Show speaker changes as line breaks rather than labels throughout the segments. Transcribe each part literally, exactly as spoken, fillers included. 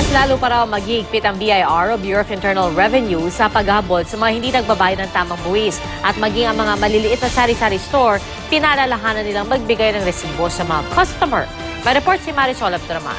lalo pa raw mag-iigpit ang B I R o Bureau of Internal Revenue sa paghabol sa mga hindi nagbabayad ng tamang buwis at maging ang mga maliliit na sari-sari store, pinalalahanan nilang magbigay ng resibo sa mga customer. May report si Marisol Abduraman.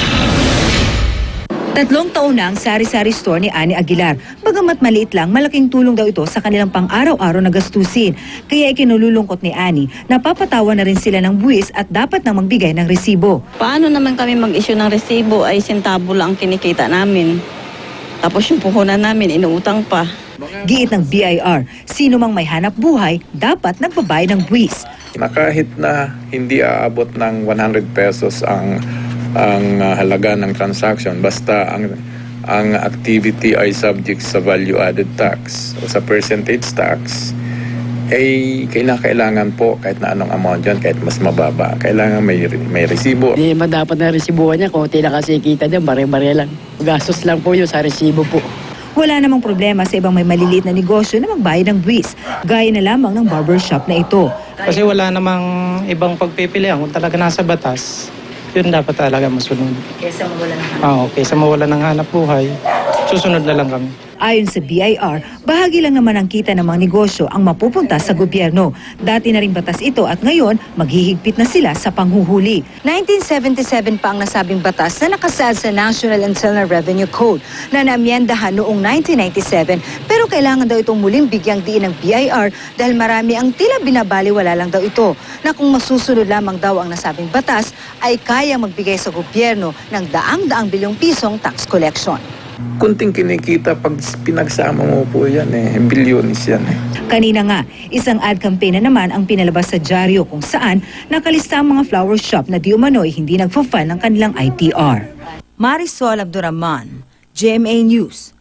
Tatlong taon na ang sari-sari store ni Annie Aguilar. Bagamat maliit lang, malaking tulong daw ito sa kanilang pang-araw-araw na gastusin. Kaya ikinululungkot ni Annie, napapatawa na rin sila ng buwis at dapat nang magbigay ng resibo.
Paano naman kami mag-issue ng resibo ay sentabo lang ang kinikita namin. Tapos yung puhunan namin, inuutang pa.
Giit ng B I R, sino mang may hanap buhay, dapat nagbabayad ng buwis.
Na kahit na hindi aabot ng one hundred pesos ang ang uh, halaga ng transaction, basta ang ang activity ay subject sa value added tax o sa percentage tax, ay kailangan po kahit na anong amount yan, kahit mas mababa, kailangan may may resibo.
Hindi naman dapat na resibuhan niya, kung tila kasi kita niya, bare-bare lang. Gastos lang po yun sa resibo po.
Wala namang problema sa ibang may maliliit na negosyo na magbayad ng buwis, gaya na lamang ng barbershop na ito.
Kasi wala namang ibang pagpipilian kung talaga nasa batas. Yun dapat talaga masunod.
Kesa mawala ng hanap.
Oo, kaysa mawala ng hanap buhay, susunod na lang kami.
Ayon sa B I R, bahagi lang naman ang kita ng mga negosyo ang mapupunta sa gobyerno. Dati na rin batas ito at ngayon maghihigpit na sila sa panghuhuli. nineteen seventy-seven pa ang nasabing batas na nakasaad sa National Internal Revenue Code na naamyendahan noong nineteen ninety-seven, pero kailangan daw itong muling bigyang diin ng B I R dahil marami ang tila binabaliwala lang daw ito na kung masusunod lamang daw ang nasabing batas ay kaya magbigay sa gobyerno ng daang-daang bilyong pisong tax collection.
Kunting kinikita pag pinagsama mo po yan eh, bilyonis yan eh.
Kanina nga, isang ad campaign na naman ang pinalabas sa dyaryo kung saan nakalista ang mga flower shop na di umano'y hindi nagfa-file ng kanilang I T R. Marisol Abduraman, G M A News.